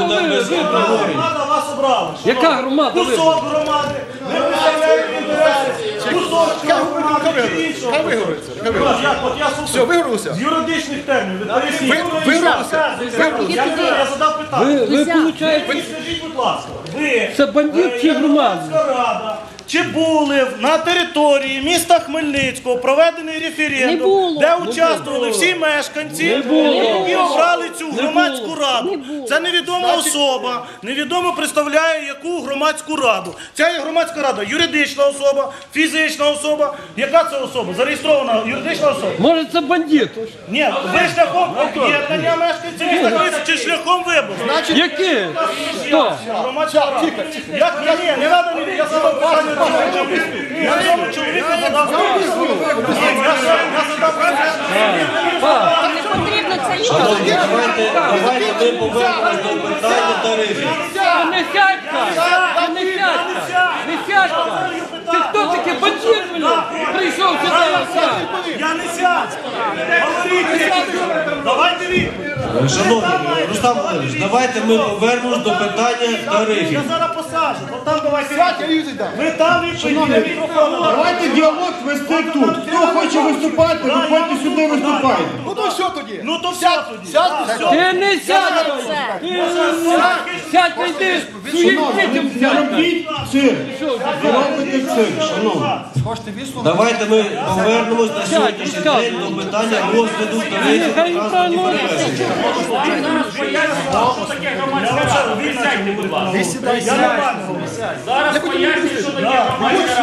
буде без обговорення. Громада вас обрала. Яка громада? Кусок громади. Ви представляєте інтереси. Кусок громади чи іншого. От я Все, вигорілося? з юридичних термінів. Ви поясніть. Вигорілося? Я задав питання. Ви получаєте, Скажіть, будь ласка, ви, це бандит чи громада? Громадська рада, чи були на території міста Хмельницького проведений референдум, де участвували всі мешканці, які обрали цю громадську раду? Це невідома особа, невідомо представляє яку громадську раду. Ця є громадська рада, юридична особа, фізична особа. Яка це особа? Зареєстрована юридична особа? Може це бандит? Ні, ви шляхом об'єднання мешканців міста Хмельницького чи шляхом вибору? Які? Хто? Громадська рада. Ні, не треба мені, я задав питання. Я цьому чоловіку задав питання. Я задав питання. Не потрібно це Шановні, давайте ми повернемось до питання тарифів. Не сядька! Не сядька! Не сядька! Ти хто такий бандит, блін? Прийшов сюди! Я не сядь. Говоріть. Давайте відповідь. Шановні, Рустам Володимирович, давайте ми повернемось до питання тарифів. Я зараз посаджу. От там давайте відповідь. Ви там відповідь. Давайте діалог вести тут. Хто хоче виступати, виходьте сюди, виступайте. Ну то що тоді? Ну то все тоді. Ти не сядь! Сядь, йди! Своїм дітям Не сядь! робіть цирк. Не робите цирк, шановні. Давайте ми повернемось на сьогоднішній день до питання розгляду тарифів Хай транспортних правильно. перевезень. Я не бачу. Зараз поясню, що таке громадська рада.